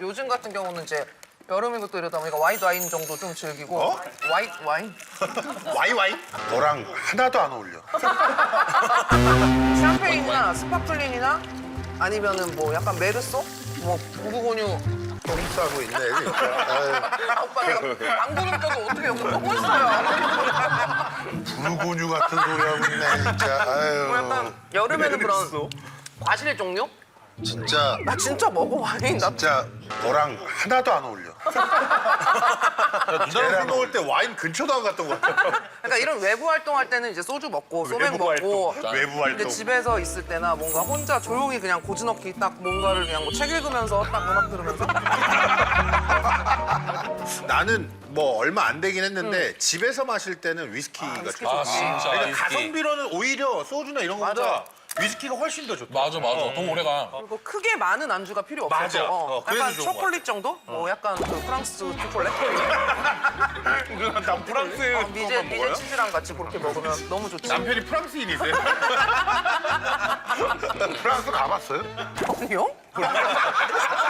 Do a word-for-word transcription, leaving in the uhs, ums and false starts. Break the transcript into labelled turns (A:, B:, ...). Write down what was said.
A: 요즘 같은 경우는 이제 여름이고 또 이러다 보니까 와이드 와인 정도 좀 즐기고.
B: 어?
A: 와이드 와인?
B: 와이 와이? 너랑 하나도 안 어울려.
A: 샴페인이나 스파클링이나 아니면은 뭐 약간 메르소? 뭐 구구곤유.
B: 똥 싸고 있네, 진짜. 아유.
A: 아, 오빠 내가 방구는 껴도 어떻게 여기 보고 있어요.
B: 불구뉴 같은 소리 하고 있네, 진짜.
A: 뭐
B: 아유.
A: 약간 여름에는 그런 과실 종류?
B: 진짜,
A: 나 진짜 먹어 와인. 나
B: 진짜 너랑 하나도 안 어울려.
C: 누나랑 술 먹을 때 와인 근처도 안 갔던 것 같아.
A: 그러니까 이런 외부 활동할 때는 이제 소주 먹고 소맥
C: 외부
A: 먹고
C: 활동. 외부
A: 근데
C: 활동.
A: 집에서 있을 때나 뭔가 혼자 조용히 그냥 고즈넉히 딱 뭔가를 그냥 뭐 책 읽으면서 딱 음악 들으면서
C: 나는 뭐 얼마 안 되긴 했는데 집에서 마실 때는 위스키가
A: 위스키
C: 좋아.
D: 아 진짜.
C: 그러니까
D: 위스키.
C: 가성비로는 오히려 소주나 이런 거보다
A: 맞아.
C: 위스키가 훨씬 더 좋다.
D: 맞아 맞아. 너무 오래가.
A: 그리고 크게 많은 안주가 필요 없어서
C: 맞아.
A: 어,
C: 어, 그래서
A: 약간
C: 좋은 것
A: 초콜릿 정도? 뭐 약간 그 프랑스 초콜릿?
C: 난 프랑스
A: 어, 미제, 미제 치즈랑 같이 그렇게 먹으면 너무 좋지.
C: 남편이 프랑스인이세요?
B: 프랑스 가봤어요?
A: 아니요?